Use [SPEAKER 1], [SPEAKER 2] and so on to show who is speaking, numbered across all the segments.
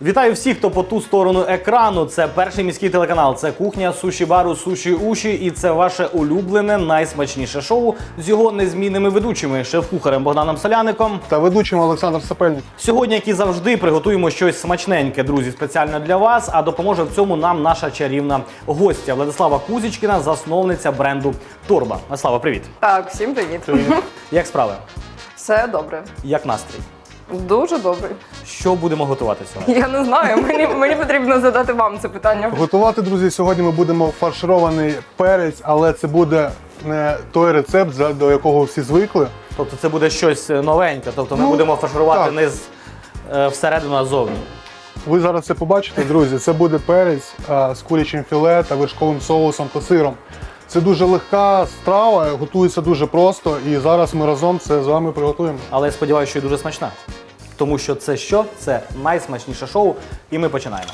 [SPEAKER 1] Вітаю всіх, хто по ту сторону екрану. Це перший міський телеканал, це кухня суші-бару «Суші Уші» і це ваше улюблене, найсмачніше шоу з його незмінними ведучими, шеф-кухарем Богданом Соляником
[SPEAKER 2] та ведучим Олександр Сапельник.
[SPEAKER 1] Сьогодні, як і завжди, приготуємо щось смачненьке, друзі, спеціально для вас, а допоможе в цьому нам наша чарівна гостя Владислава Кузічкіна, засновниця бренду Торба. Владислава, привіт.
[SPEAKER 3] Так, всім привіт.
[SPEAKER 1] Як справи?
[SPEAKER 3] Все добре.
[SPEAKER 1] Як настрій?
[SPEAKER 3] Дуже добре.
[SPEAKER 1] Що будемо готувати сьогодні?
[SPEAKER 3] Я не знаю, мені потрібно задати вам це питання.
[SPEAKER 2] Готувати, друзі, сьогодні ми будемо фарширований перець, але це буде не той рецепт, до якого всі звикли.
[SPEAKER 1] Тобто це буде щось новеньке, тобто ми будемо фарширувати
[SPEAKER 2] так.
[SPEAKER 1] не всередину, а ззовні.
[SPEAKER 2] Ви зараз це побачите, друзі. Це буде перець з курячим філе та вершковим соусом та сиром. Це дуже легка страва, готується дуже просто, і зараз ми разом це з вами приготуємо.
[SPEAKER 1] Але я сподіваюся, що і дуже смачна. Тому що це що? Це найсмачніше шоу, і ми починаємо.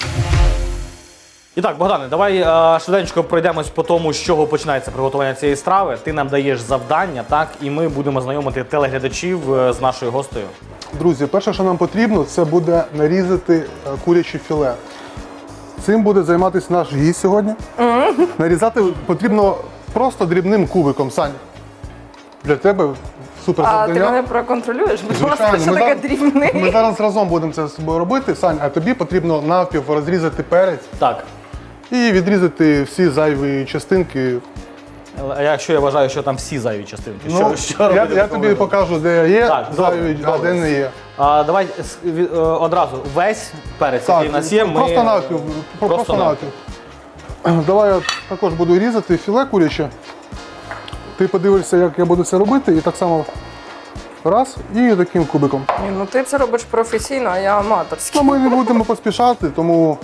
[SPEAKER 1] І так, Богдане, давай швиденько пройдемось по тому, з чого починається приготування цієї страви. Ти нам даєш завдання, так, і ми будемо знайомити телеглядачів з нашою гостею.
[SPEAKER 2] Друзі, перше, що нам потрібно, це буде нарізати куряче філе. Цим буде займатися наш гість сьогодні. Нарізати потрібно просто дрібним кубиком, Сань. Для тебе супер
[SPEAKER 3] А
[SPEAKER 2] завдання.
[SPEAKER 3] ти мене проконтролюєш? Будь ласка,
[SPEAKER 2] Звичайно,
[SPEAKER 3] що
[SPEAKER 2] ми
[SPEAKER 3] таке
[SPEAKER 2] зараз-
[SPEAKER 3] дрібний?
[SPEAKER 2] Ми зараз разом будемо це з собою робити, Сань, а тобі потрібно навпіл розрізати перець
[SPEAKER 1] Так.
[SPEAKER 2] і відрізати всі зайві частинки.
[SPEAKER 1] А якщо я вважаю, що там всі зайві частинки, що
[SPEAKER 2] я
[SPEAKER 1] робити?
[SPEAKER 2] я тобі покажу, де є
[SPEAKER 1] Так,
[SPEAKER 2] зайві,
[SPEAKER 1] добре,
[SPEAKER 2] а де не є.
[SPEAKER 1] Давай одразу весь перець, який в нас є, ми...
[SPEAKER 2] просто навпіл. Просто навпіл. Давай я також буду різати філе куряче. Ти подивишся, як я буду це робити, і так само раз, і таким кубиком.
[SPEAKER 3] Ні, ну ти це робиш професійно, а я аматорський.
[SPEAKER 2] Ну, ми не будемо поспішати, тому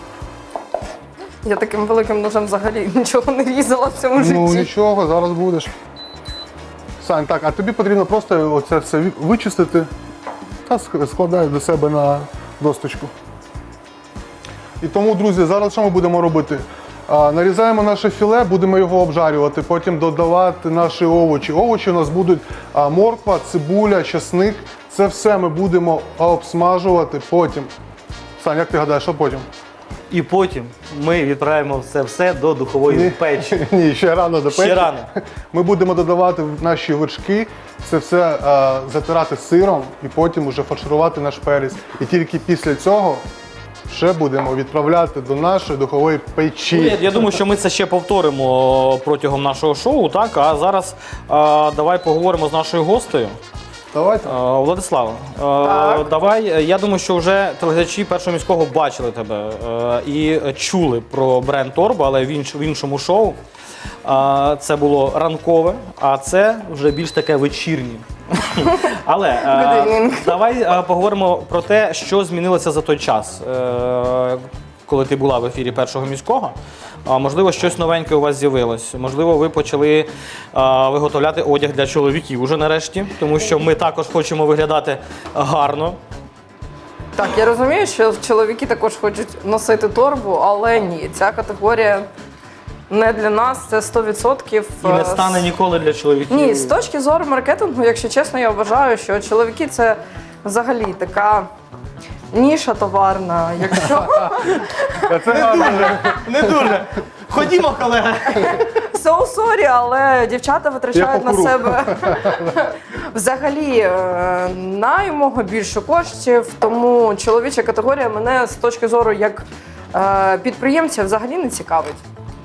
[SPEAKER 3] Я таким великим ножем взагалі нічого не різала в цьому
[SPEAKER 2] ну
[SPEAKER 3] житті.
[SPEAKER 2] нічого, зараз будеш. Сань, так, а тобі потрібно просто оце все вичистити та складай до себе на досточку. І тому, друзі, зараз що ми будемо робити? Нарізаємо наше філе, будемо його обжарювати, потім додавати наші овочі. Овочі у нас будуть морква, цибуля, часник. Це все ми будемо обсмажувати потім. Сань, як ти гадаєш, що потім?
[SPEAKER 1] І потім ми відправимо це все до духової печі.
[SPEAKER 2] Ні, ще рано до печі.
[SPEAKER 1] Ще рано.
[SPEAKER 2] Ми будемо додавати в наші вершки, це все затирати сиром і потім вже фарширувати наш перець. І тільки після цього ще будемо відправляти до нашої духової печі.
[SPEAKER 1] Я думаю, що ми це ще повторимо протягом нашого шоу, так? А зараз давай поговоримо з нашою гостею.
[SPEAKER 2] Давайте.
[SPEAKER 1] Владислава, давай, я думаю, що вже телеглядачі Першого міського бачили тебе і чули про бренд Торба, але в іншому шоу. Це було ранкове, а це вже більш таке вечірнє. Але давай поговоримо про те, що змінилося за той час, коли ти була в ефірі Першого міського. Можливо, щось новеньке у вас з'явилось. Можливо, ви почали виготовляти одяг для чоловіків уже нарешті, тому що ми також хочемо виглядати гарно.
[SPEAKER 3] Так, я розумію, що чоловіки також хочуть носити торбу, але ні, ця категорія не для нас, це 100%.
[SPEAKER 1] І не стане ніколи для чоловіків.
[SPEAKER 3] Ні, з точки зору маркетингу, якщо чесно, я вважаю, що чоловіки це взагалі така ніша товарна. Якщо
[SPEAKER 1] Не дуже. Ходімо, колеги.
[SPEAKER 3] so sorry, але дівчата витрачають на себе взагалі наймого більше коштів, тому чоловіча категорія мене з точки зору як підприємця взагалі не цікавить.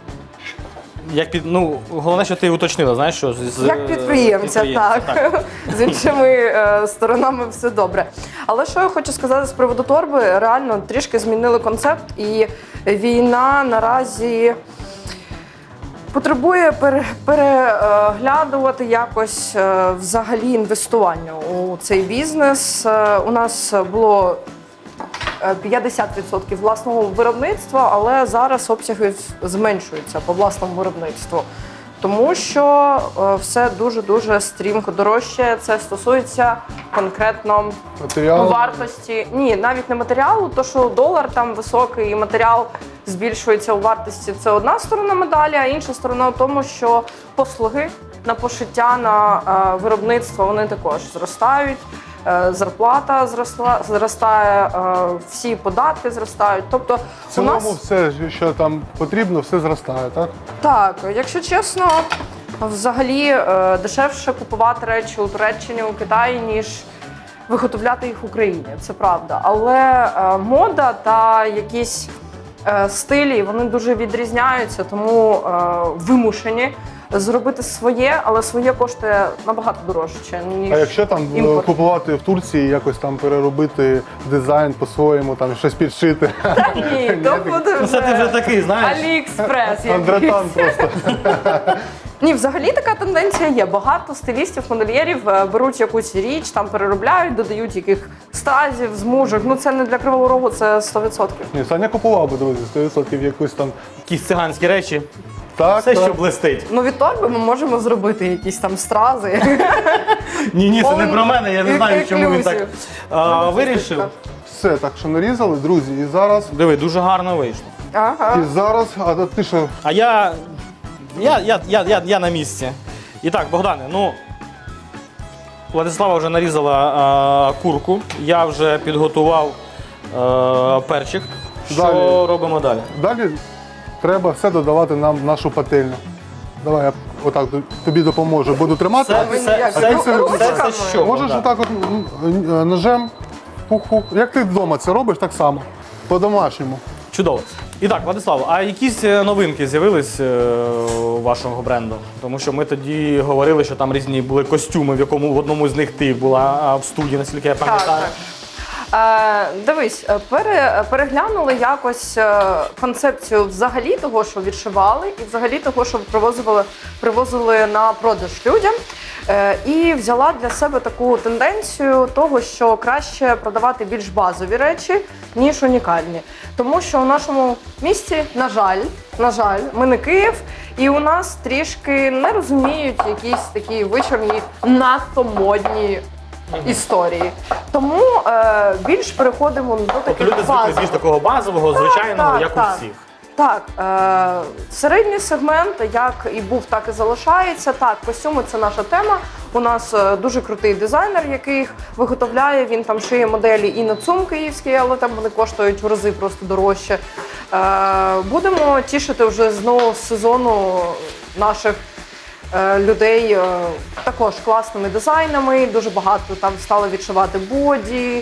[SPEAKER 1] Головне, що ти уточнила, знаєш, що
[SPEAKER 3] Як підприємця, так. З іншими сторонами все добре. Але що я хочу сказати з приводу торби, реально трішки змінили концепт, і війна наразі потребує переглядувати якось взагалі інвестування у цей бізнес. У нас було 50% власного виробництва, але зараз обсяги зменшуються по власному виробництву. Тому що все дуже-дуже стрімко дорожче. Це стосується конкретно
[SPEAKER 2] Матеріал.
[SPEAKER 3] вартості. Ні, навіть не матеріалу, то що долар там високий і матеріал збільшується у вартості. Це одна сторона медалі, а інша сторона в тому, що послуги на пошиття, на виробництво, вони також зростають. зарплата зростає, всі податки зростають. Тобто
[SPEAKER 2] В цілому все, що там потрібно, все зростає, так?
[SPEAKER 3] так, якщо чесно, взагалі дешевше купувати речі у Туреччині, у Китаї, ніж виготовляти їх в Україні. Це правда. Але мода та якісь стилі, вони дуже відрізняються, тому вимушені зробити своє, але своє коштує набагато дорожче, ніж
[SPEAKER 2] А якщо там
[SPEAKER 3] імпорт.
[SPEAKER 2] купувати в Турції, якось там переробити дизайн по-своєму, там щось підшити.
[SPEAKER 3] Та ні, то буде
[SPEAKER 1] Ну, це ти вже такий, знаєш.
[SPEAKER 3] Аліекспрес.
[SPEAKER 2] Андретан
[SPEAKER 3] якийсь.
[SPEAKER 2] просто.
[SPEAKER 3] Ні, взагалі така тенденція є. Багато стилістів, модельєрів беруть якусь річ, там переробляють, додають яких стразів, змужок. Ну це не для Кривого Рогу, це 100%.
[SPEAKER 2] Ні, Саня купував би, дивись, 100% якусь там.
[SPEAKER 1] Якісь циганські речі.
[SPEAKER 2] Так,
[SPEAKER 1] Все,
[SPEAKER 2] так.
[SPEAKER 1] що блистить.
[SPEAKER 3] Ну від торби ми можемо зробити якісь там стрази.
[SPEAKER 1] Ні, це не про мене, я не знаю, чому він так
[SPEAKER 3] Ексклюзив.
[SPEAKER 1] вирішив.
[SPEAKER 2] Все, так що нарізали, друзі, і зараз.
[SPEAKER 1] Диви, дуже гарно вийшло.
[SPEAKER 3] Ага.
[SPEAKER 2] І зараз, а ти що?
[SPEAKER 1] А я на місці. І так, Богдане, ну, Владислава вже нарізала курку, я вже підготував перчик. Що
[SPEAKER 2] Далі.
[SPEAKER 1] робимо далі?
[SPEAKER 2] Далі треба все додавати нам в нашу пательню. Давай я отак тобі допоможу. Буду тримати.
[SPEAKER 1] Це
[SPEAKER 3] ви
[SPEAKER 1] все,
[SPEAKER 3] ніяк.
[SPEAKER 1] все,
[SPEAKER 3] Ру-
[SPEAKER 1] все,
[SPEAKER 3] ручками.
[SPEAKER 1] все, що?
[SPEAKER 2] Можеш
[SPEAKER 1] Богдан?
[SPEAKER 2] отак от ножем. Хух-хух. Як ти вдома це робиш, так само. По-домашньому.
[SPEAKER 1] Чудово. І так, Владислав, а якісь новинки з'явились у вашого бренду? Тому що ми тоді говорили, що там різні були костюми, в якому в одному з них ти була в студії, наскільки я пам'ятаю.
[SPEAKER 3] Дивись, переглянули якось концепцію взагалі того, що відшивали, і взагалі того, що привозили на продаж людям. І взяла для себе таку тенденцію того, що краще продавати більш базові речі, ніж унікальні. Тому що у нашому місті, на жаль, ми не Київ, і у нас трішки не розуміють якісь такі вичорні, надто модні історії. Тому більш переходимо до
[SPEAKER 1] Тобто
[SPEAKER 3] таких
[SPEAKER 1] люди звикли
[SPEAKER 3] базових.
[SPEAKER 1] більш такого базового, звичайного, як у всіх.
[SPEAKER 3] Так, середній сегмент, як і був, так і залишається. Так, костюми – це наша тема. У нас дуже крутий дизайнер, який їх виготовляє. Він там шиє моделі і на ЦУМ київський, але там вони коштують в рази просто дорожче. Будемо тішити вже з нового сезону наших людей також класними дизайнами. Дуже багато там стали відшивати боді.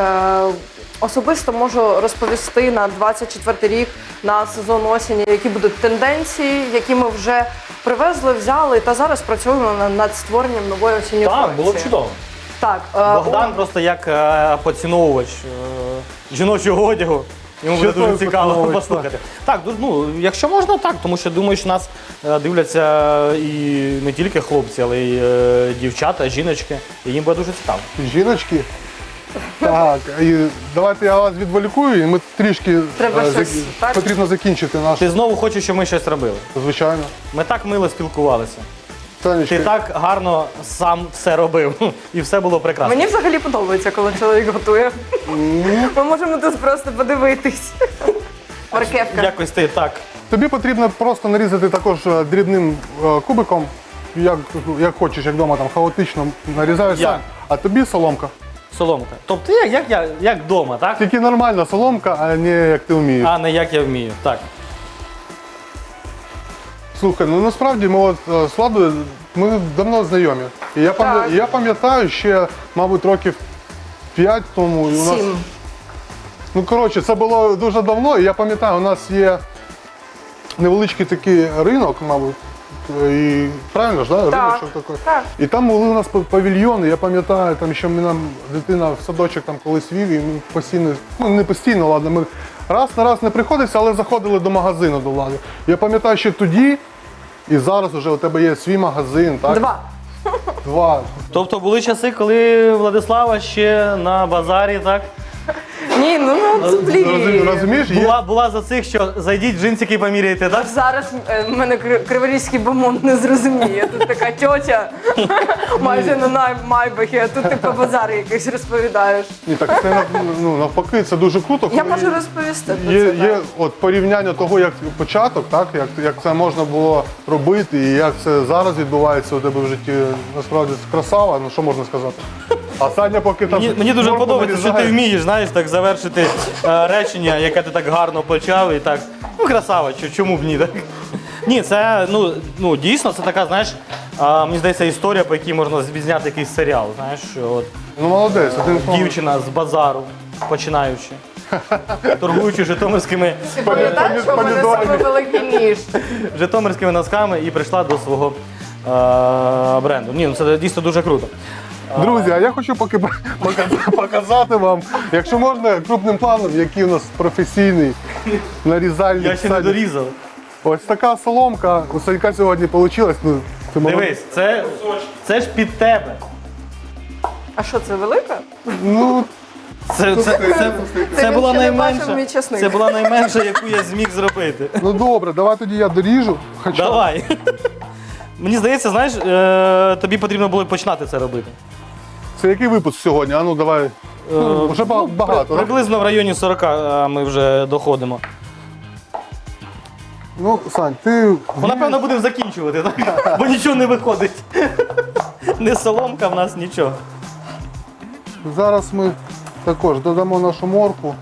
[SPEAKER 3] Особисто можу розповісти на 24-й рік, на сезон осені, які будуть тенденції, які ми вже привезли, взяли та зараз працюємо над створенням нової осінньої
[SPEAKER 1] Так,
[SPEAKER 3] колекції.
[SPEAKER 1] було б чудово.
[SPEAKER 3] Так,
[SPEAKER 1] Богдан просто як поціновувач жіночого одягу. Йому буде
[SPEAKER 2] Чудовий
[SPEAKER 1] дуже цікаво
[SPEAKER 2] поціновувач,
[SPEAKER 1] послухати. Так, ну, якщо можна, так, тому що думаю, що нас дивляться і не тільки хлопці, але й дівчата, жіночки. І їм буде дуже цікаво.
[SPEAKER 2] Жіночки. Так, і давайте я вас відволікую, і ми трішки
[SPEAKER 3] Треба щось, так?
[SPEAKER 2] потрібно закінчити наш,
[SPEAKER 1] Ти знову хочеш, щоб ми щось робили.
[SPEAKER 2] звичайно.
[SPEAKER 1] Ми так мило спілкувалися.
[SPEAKER 2] Танечка,
[SPEAKER 1] Ти так гарно сам все робив. І все було прекрасно.
[SPEAKER 3] мені взагалі подобається, коли чоловік готує. Ми можемо тут просто подивитись. Маркевка.
[SPEAKER 1] Якось ти так.
[SPEAKER 2] тобі потрібно просто нарізати також дрібним кубиком, як хочеш, як вдома там хаотично нарізаєш
[SPEAKER 1] Я.
[SPEAKER 2] сам. А тобі соломка.
[SPEAKER 1] Соломка. Тобто як вдома, так?
[SPEAKER 2] Тільки нормальна соломка, а не як ти вмієш.
[SPEAKER 1] А не як я вмію. Так.
[SPEAKER 2] Слухай, ну насправді ми от з Владою, ми давно знайомі. І
[SPEAKER 3] Так.
[SPEAKER 2] я пам'ятаю ще, мабуть, років 5 тому. І у нас,
[SPEAKER 3] 7.
[SPEAKER 2] ну коротше, це було дуже давно, і я пам'ятаю, у нас є невеличкий такий ринок, мабуть. І правильно ж, да? Риночок такий.
[SPEAKER 3] Так.
[SPEAKER 2] І там були у нас павільйони, я пам'ятаю, там ще нам дитина в садочок там колись вів, і ми постійно, ну не постійно, ладно, ми раз на раз не приходилися, але заходили до магазину до Влади. Я пам'ятаю, що тоді і зараз вже у тебе є свій магазин, так?
[SPEAKER 3] 2.
[SPEAKER 2] Два.
[SPEAKER 1] Тобто були часи, коли Владислава ще на базарі, так?
[SPEAKER 3] Ні, ну блін.
[SPEAKER 2] Розумієш? Є...
[SPEAKER 1] Була за цих, що зайдіть в джинсики поміряйте, так?
[SPEAKER 3] Зараз мене криворізький бомонд не зрозуміє. Тут така тьотя майже на майбахі, а тут ти по базарі якийсь розповідаєш.
[SPEAKER 2] Ні, так це ну, навпаки, це дуже круто.
[SPEAKER 3] Я
[SPEAKER 2] коли
[SPEAKER 3] можу розповісти про
[SPEAKER 2] Є,
[SPEAKER 3] це.
[SPEAKER 2] є от порівняння того, як початок, так, як це можна було робити і як це зараз відбувається у тебе в житті. Насправді це красава, ну що можна сказати? А Саня поки там...
[SPEAKER 1] Мені дуже
[SPEAKER 2] моркву
[SPEAKER 1] подобається, що ти
[SPEAKER 2] нарізає.
[SPEAKER 1] вмієш, знаєш, так завершити речення, яке ти так гарно почав і так, ну красава, чому б ні, так? Ні, це, ну дійсно, це така, знаєш, мені здається, історія, по якій можна зняти якийсь серіал, знаєш, що от
[SPEAKER 2] Ну молодець, один
[SPEAKER 1] дівчина з базару, починаючи, торгуючи житомирськими
[SPEAKER 3] Ти пам'ятаєш, що в мене
[SPEAKER 2] помідорами.
[SPEAKER 3] саме великий ніж?
[SPEAKER 1] житомирськими носками і прийшла до свого бренду. Ні, ну це дійсно дуже круто.
[SPEAKER 2] Друзі, а я хочу поки показати вам, якщо можна, крупним планом, який у нас професійний нарізальник.
[SPEAKER 1] Я ще не дорізав.
[SPEAKER 2] Ось така соломка у Санька сьогодні вийшла. Ну, ти
[SPEAKER 1] Дивись, це ж під тебе.
[SPEAKER 3] А що, це велика?
[SPEAKER 2] Ну,
[SPEAKER 1] Це
[SPEAKER 3] він
[SPEAKER 1] була
[SPEAKER 3] ще не бачив мій
[SPEAKER 1] найменша.
[SPEAKER 3] часник.
[SPEAKER 1] Це була найменша, яку я зміг зробити.
[SPEAKER 2] ну добре, давай тоді я доріжу. Хоча
[SPEAKER 1] Давай. Мені здається, знаєш, тобі потрібно було починати це робити.
[SPEAKER 2] це який випуск сьогодні? А ну давай. Вже багато, так?
[SPEAKER 1] Приблизно в районі 40 ми вже доходимо.
[SPEAKER 2] Ну, Сань, ти...
[SPEAKER 1] Ну, напевно, будемо закінчувати, так? Бо нічого не виходить. Не соломка в нас, нічого.
[SPEAKER 2] Зараз ми також додамо нашу моркву.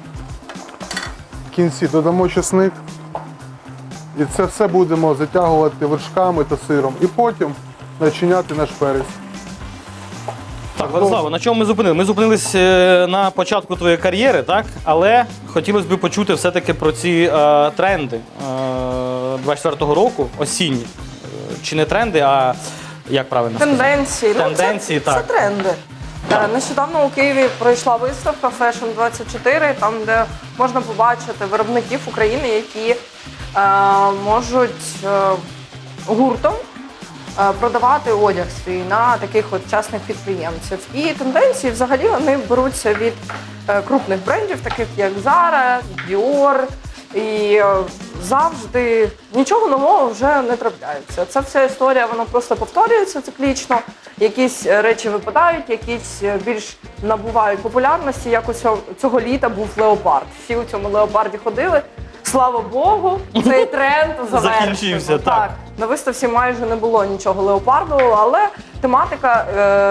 [SPEAKER 2] В кінці додамо чесник. І це все будемо затягувати вершками та сиром. І потім начиняти наш перець.
[SPEAKER 1] Так, Владислава, на чому ми зупинили? Ми зупинились на початку твоєї кар'єри, так? Але хотілося б почути все-таки про ці тренди 24-го року, осінні. Чи не тренди, а як правильно сказати?
[SPEAKER 3] Тенденції.
[SPEAKER 1] Тенденції,
[SPEAKER 3] це
[SPEAKER 1] так.
[SPEAKER 3] тренди. Нещодавно у Києві пройшла виставка Fashion 24, там, де можна побачити виробників України, які можуть гуртом продавати одяг свій на таких от частних підприємців. І тенденції взагалі вони беруться від крупних брендів, таких як Zara, Dior. І завжди нічого нового вже не трапляється. Ця вся історія, вона просто повторюється циклічно. Якісь речі випадають, якісь більш набувають популярності. Як у цього літа був леопард. Всі у цьому леопарді ходили. Слава Богу, цей тренд завершився.
[SPEAKER 1] Закінчився, так.
[SPEAKER 3] На виставці майже не було нічого леопарду, але тематика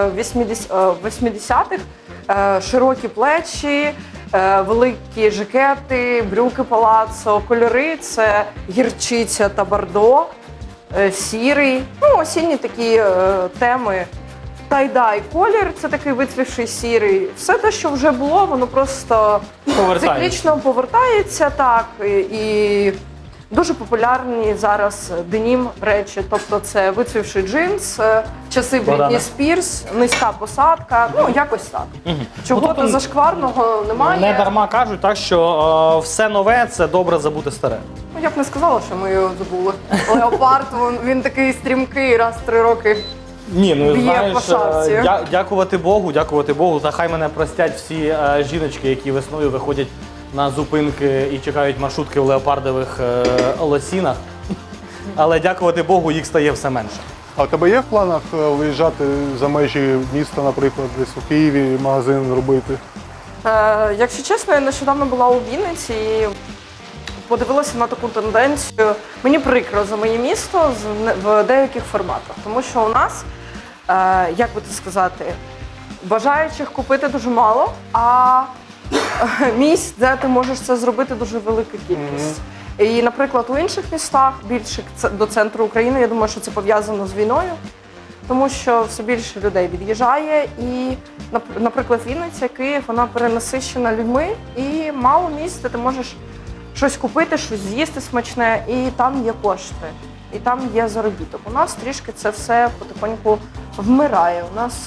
[SPEAKER 3] 80-х, широкі плечі, великі жакети, брюки палацо, кольори – це гірчиця та бордо, сірий, ну, осінні такі теми. Тай-дай колір – це такий вицвівший сірий. Все те, що вже було, воно просто циклічно повертається, так, і дуже популярні зараз денім речі. Тобто це вицвівший джинс, часи Брітні Спірс, низька посадка, ну якось так. Чого-то зашкварного немає.
[SPEAKER 1] Не дарма кажуть, так, що все нове – це добре забути старе.
[SPEAKER 3] Ну, я б не сказала, що ми його забули. Леопард, він такий стрімкий, раз в 3 роки.
[SPEAKER 1] Ні, ну
[SPEAKER 3] Б'є
[SPEAKER 1] знаєш,
[SPEAKER 3] по шапці.
[SPEAKER 1] дякувати Богу, та хай мене простять всі жіночки, які весною виходять на зупинки і чекають маршрутки в леопардових лосінах. Але дякувати Богу, їх стає все менше.
[SPEAKER 2] А у тебе є в планах виїжджати за межі міста, наприклад, десь у Києві магазин робити?
[SPEAKER 3] Якщо чесно, я нещодавно була у Вінниці і подивилася на таку тенденцію. Мені прикро за моє місто в деяких форматах, тому що у нас, як би це сказати, бажаючих купити дуже мало, а місць, де ти можеш це зробити, дуже велика кількість. І, наприклад, у інших містах, більше до центру України, я думаю, що це пов'язано з війною, тому що все більше людей від'їжджає. І, наприклад, Вінниця, Київ, вона перенасичена людьми, і мало місць, де ти можеш щось купити, щось з'їсти смачне, і там є кошти, і там є заробіток. У нас трішки це все потихоньку вмирає. У нас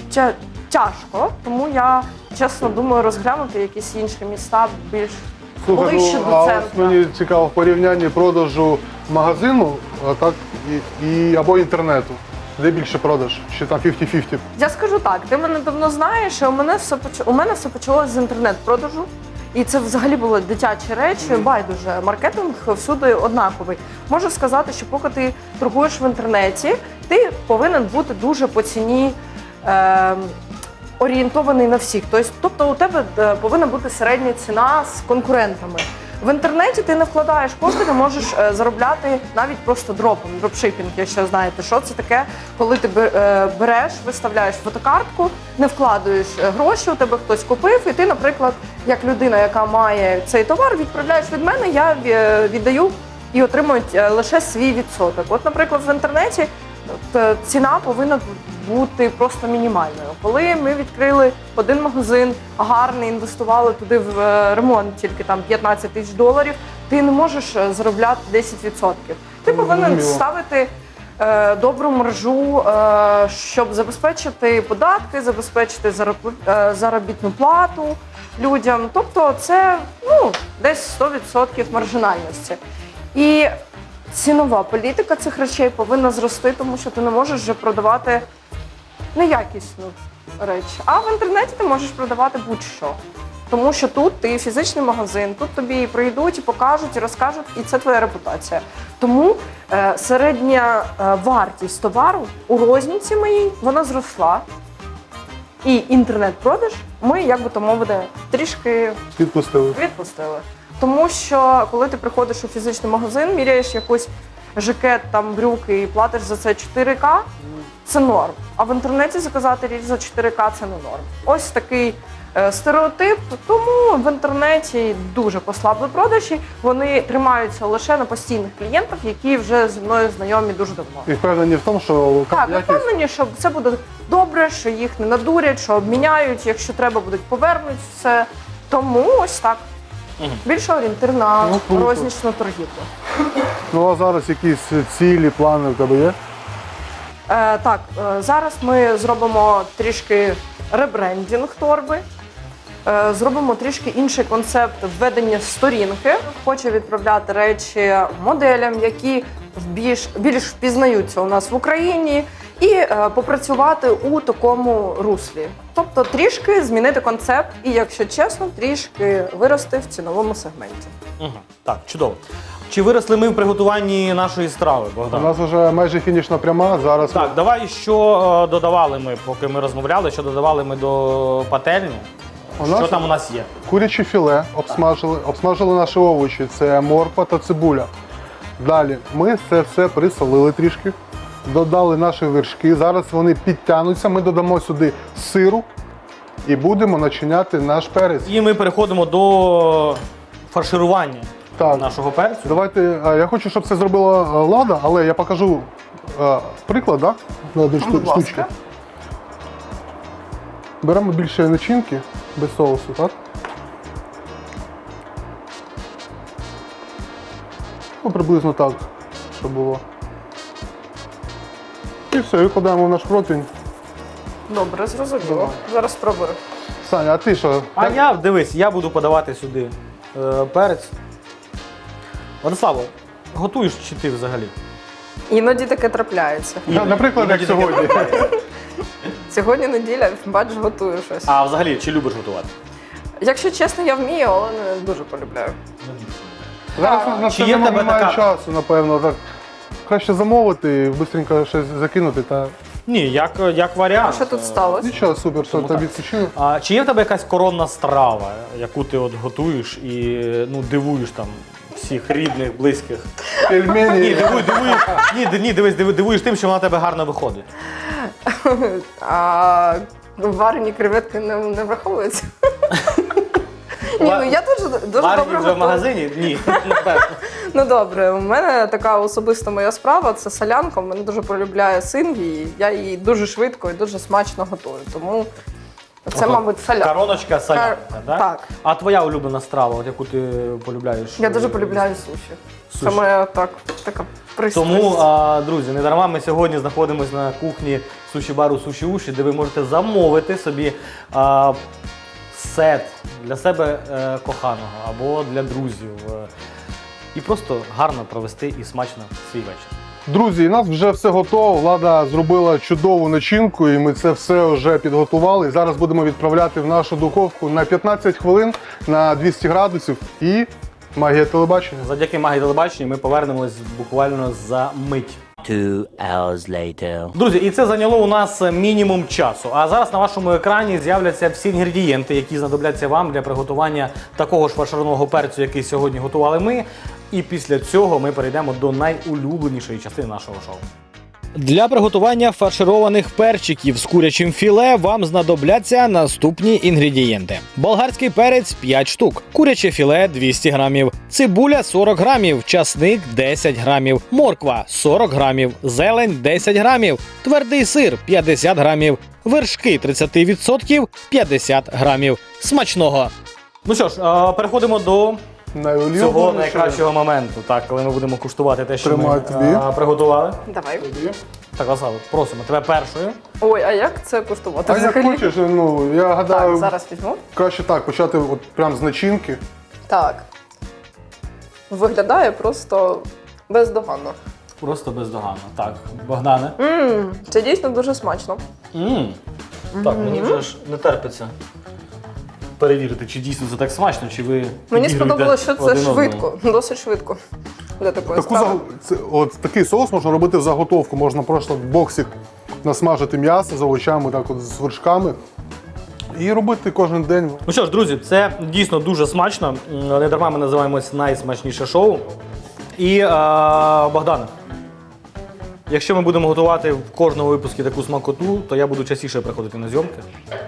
[SPEAKER 3] тяжко, тому я, чесно, думаю розглянути якісь інші міста більш ближче до
[SPEAKER 2] а ось
[SPEAKER 3] центру.
[SPEAKER 2] мені цікаво в порівнянні продажу магазину так, або інтернету. Де більше продаж? Чи там 50-50?
[SPEAKER 3] Я скажу так, ти мене давно знаєш, і у мене все почалося з інтернет-продажу. І це взагалі були дитячі речі, байдуже. Маркетинг всюди однаковий. Можу сказати, що поки ти торгуєш в інтернеті, ти повинен бути дуже по ціні орієнтований на всіх. Тобто у тебе повинна бути середня ціна з конкурентами. В інтернеті ти не вкладаєш кошти, ти можеш заробляти навіть просто дропом. Дропшипінг, якщо знаєте, що це таке, коли ти береш, виставляєш фотокартку, не вкладаєш гроші, у тебе хтось купив, і ти, наприклад, як людина, яка має цей товар, відправляєш від мене, я віддаю і отримують лише свій відсоток. От, наприклад, в інтернеті ціна повинна бути просто мінімальною. Коли ми відкрили один магазин, гарний, інвестували туди в ремонт тільки там $15 000, ти не можеш заробляти 10%. Ти повинен ставити добру маржу, щоб забезпечити податки, забезпечити заробітну плату людям. Тобто це десь 100% маржинальності. І цінова політика цих речей повинна зрости, тому що ти не можеш вже продавати неякісну речі. А в інтернеті ти можеш продавати будь-що. Тому що тут ти фізичний магазин, тут тобі прийдуть, і покажуть, і розкажуть, і це твоя репутація. Тому середня вартість товару у розніці моїй, вона зросла. І інтернет-продаж ми, як би то мовити, трішки відпустили. Тому що, коли ти приходиш у фізичний магазин, міряєш якийсь жакет, там, брюки і платиш за це 4К, це норм. А в інтернеті заказати річ за 4К – це не норм. Ось такий стереотип, тому в інтернеті дуже послабли продажі. Вони тримаються лише на постійних клієнтах, які вже зі мною знайомі дуже давно.
[SPEAKER 2] І впевнені в тому, що
[SPEAKER 3] Так, впевнені, що це буде добре, що їх не надурять, що обміняють, якщо треба, будуть повернуть все. Тому ось так. Більше орієнтир на рознічну торгівлю.
[SPEAKER 2] Ну а зараз якісь цілі, плани в тебе є?
[SPEAKER 3] Так, зараз ми зробимо трішки ребрендінг торби, зробимо трішки інший концепт введення сторінки. Хочу відправляти речі моделям, які більш впізнаються у нас в Україні, і попрацювати у такому руслі. Тобто трішки змінити концепт і, якщо чесно, трішки вирости в ціновому сегменті.
[SPEAKER 1] Так, чудово. Чи виросли ми в приготуванні нашої страви,
[SPEAKER 2] У
[SPEAKER 1] Богдан?
[SPEAKER 2] нас вже майже фінішна пряма, зараз
[SPEAKER 1] Так, давай, що додавали ми, поки ми розмовляли, що додавали ми до пательні? Що там у нас є?
[SPEAKER 2] куряче філе обсмажили наші овочі, це морква та цибуля. Далі ми це все присолили трішки, додали наші вершки, зараз вони підтягнуться, ми додамо сюди сиру і будемо начиняти наш перець.
[SPEAKER 1] І ми переходимо до фарширування нашого перцю.
[SPEAKER 2] Давайте, я хочу, щоб це зробила Лада, але я покажу приклад, так? На одну штучку. Беремо більше начинки, без соусу, так? Ну, приблизно так, щоб було. І все, викладаємо в наш противень.
[SPEAKER 3] Добре, зрозуміло. Зараз спробую.
[SPEAKER 2] Саня, а ти що?
[SPEAKER 1] А дивись, я буду подавати сюди перець. Владиславо, готуєш чи ти взагалі?
[SPEAKER 3] Іноді таке трапляється.
[SPEAKER 2] Наприклад, як сьогодні.
[SPEAKER 3] Сьогодні неділя, бач, готую щось.
[SPEAKER 1] А взагалі, чи любиш готувати?
[SPEAKER 3] Якщо чесно, я вмію, але не дуже полюбляю.
[SPEAKER 2] Зараз на
[SPEAKER 1] Чи
[SPEAKER 2] це
[SPEAKER 1] є в тебе
[SPEAKER 2] немає
[SPEAKER 1] така-
[SPEAKER 2] часу, напевно. Так. Краще замовити, швидко щось закинути та
[SPEAKER 1] Ні, як варіант.
[SPEAKER 3] А що тут сталося?
[SPEAKER 2] нічого, супер, що
[SPEAKER 1] Тому
[SPEAKER 2] тобі
[SPEAKER 1] так.
[SPEAKER 2] відпочинок.
[SPEAKER 1] А чи є в тебе якась коронна страва, яку ти от готуєш і дивуєш там всіх рідних, близьких?
[SPEAKER 2] Пельмені.
[SPEAKER 1] Дивуєш тим, що вона в тебе гарно виходить.
[SPEAKER 3] А варені креветки не враховуються? Ні, ну я дуже добре
[SPEAKER 1] Варені вже в
[SPEAKER 3] готую.
[SPEAKER 1] магазині? Ні, напевно.
[SPEAKER 3] Ну добре, у мене така особиста моя справа – це солянка. Мене дуже полюбляє син, і я її дуже швидко і дуже смачно готую. Тому це, мабуть, солянка.
[SPEAKER 1] Короночка солянка, так?
[SPEAKER 3] Так.
[SPEAKER 1] А твоя улюблена страва, от яку ти полюбляєш?
[SPEAKER 3] Я дуже полюбляю суші. Це
[SPEAKER 1] Суші.
[SPEAKER 3] моя така пристрасть.
[SPEAKER 1] Тому, друзі, не дарма ми сьогодні знаходимося на кухні суші-бару Суші Уші, де ви можете замовити собі сет для себе коханого або для друзів. І просто гарно провести і смачно свій вечір.
[SPEAKER 2] Друзі, у нас вже все готово. Влада зробила чудову начинку, і ми це все вже підготували. Зараз будемо відправляти в нашу духовку на 15 хвилин на 200 градусів і магія телебачення.
[SPEAKER 1] Завдяки магії телебачення ми повернемось буквально за мить.
[SPEAKER 4] 2 hours later.
[SPEAKER 1] Друзі, і це зайняло у нас мінімум часу. А зараз на вашому екрані з'являться всі інгредієнти, які знадобляться вам для приготування такого ж фаршированого перцю, який сьогодні готували ми. І після цього ми перейдемо до найулюбленішої частини нашого шоу. Для приготування фаршированих перчиків з курячим філе вам знадобляться наступні інгредієнти: болгарський перець 5 штук, куряче філе 200 грамів, цибуля 40 грамів, часник 10 грамів, морква 40 грамів, зелень 10 грамів, твердий сир 50 грамів, вершки 30% 50 грамів. Смачного! Ну що ж, переходимо до цього найкращого моменту, так, коли ми будемо куштувати те, що
[SPEAKER 2] Тримаю
[SPEAKER 1] ми
[SPEAKER 2] тобі.
[SPEAKER 1] приготували.
[SPEAKER 3] Давай.
[SPEAKER 1] Так, Лазало, просимо тебе першою.
[SPEAKER 3] Ой, а як це куштувати?
[SPEAKER 2] А як
[SPEAKER 3] взагалі?
[SPEAKER 2] хочеш, ну, я гадаю,
[SPEAKER 3] Так, зараз візьму.
[SPEAKER 2] краще так, почати от прям з начинки.
[SPEAKER 3] Так. Виглядає просто бездоганно.
[SPEAKER 1] Просто бездоганно. Так, Богдане.
[SPEAKER 3] Це дійсно дуже смачно.
[SPEAKER 1] Так, мені вже ж не терпиться перевірити, чи дійсно це так смачно, чи ви
[SPEAKER 3] Мені
[SPEAKER 1] підігруєте
[SPEAKER 3] сподобалося, що це
[SPEAKER 1] один одному.
[SPEAKER 3] швидко, досить швидко. Для такої справи.
[SPEAKER 2] Такий соус можна робити в заготовку. Можна просто в боксі насмажити м'ясо з овочами, так от з вершками. І робити кожен день.
[SPEAKER 1] Ну що ж, друзі, це дійсно дуже смачно. Не дарма ми називаємось найсмачніше шоу. І Богдане, якщо ми будемо готувати в кожному випуску таку смакоту, то я буду частіше приходити на зйомки.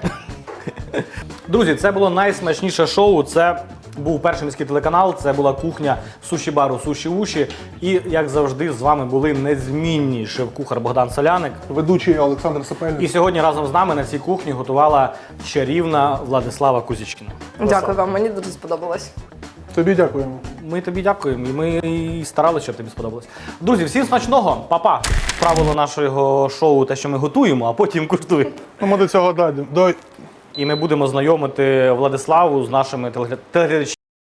[SPEAKER 1] Друзі, це було найсмачніше шоу. Це був перший міський телеканал, це була кухня суші-бару «Суші-вуші». І, як завжди, з вами були незмінні шеф-кухар Богдан Соляник.
[SPEAKER 2] Ведучий Олександр Сапельник.
[SPEAKER 1] І сьогодні разом з нами на цій кухні готувала чарівна Владислава Кузічкіна.
[SPEAKER 3] Дякую вам, мені дуже сподобалось.
[SPEAKER 2] Тобі дякуємо.
[SPEAKER 1] Ми тобі дякуємо, і ми і старалися, щоб тобі сподобалось. Друзі, всім смачного, па-па! Правило нашого шоу те, що ми готуємо, а потім куштуємо.
[SPEAKER 2] Ну, ми до цього дійдемо.
[SPEAKER 1] І ми будемо знайомити Владиславу з нашими телеглядачами.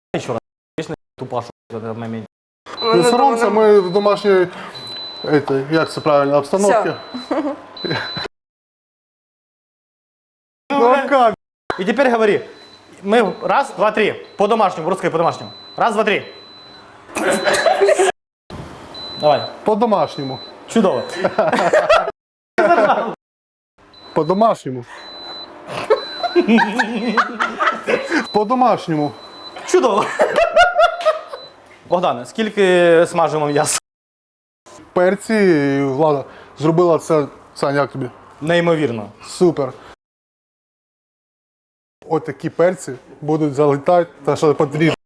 [SPEAKER 1] Тупа, що це момент.
[SPEAKER 2] Не соромся, ми в домашній, як це правильно, обстановці. Ну, як?
[SPEAKER 1] І тепер говори. Ми раз, два, три. По-домашньому, русское по-домашньому. Раз, два, три. Давай.
[SPEAKER 2] По-домашньому.
[SPEAKER 1] Чудово.
[SPEAKER 2] По-домашньому. По-домашньому.
[SPEAKER 1] Чудово. Богдане, скільки смажимо м'яса?
[SPEAKER 2] Перці, і Влада зробила це. Сань, як тобі?
[SPEAKER 1] Неймовірно.
[SPEAKER 2] Супер. От такі перці будуть залітати, та що потрібно.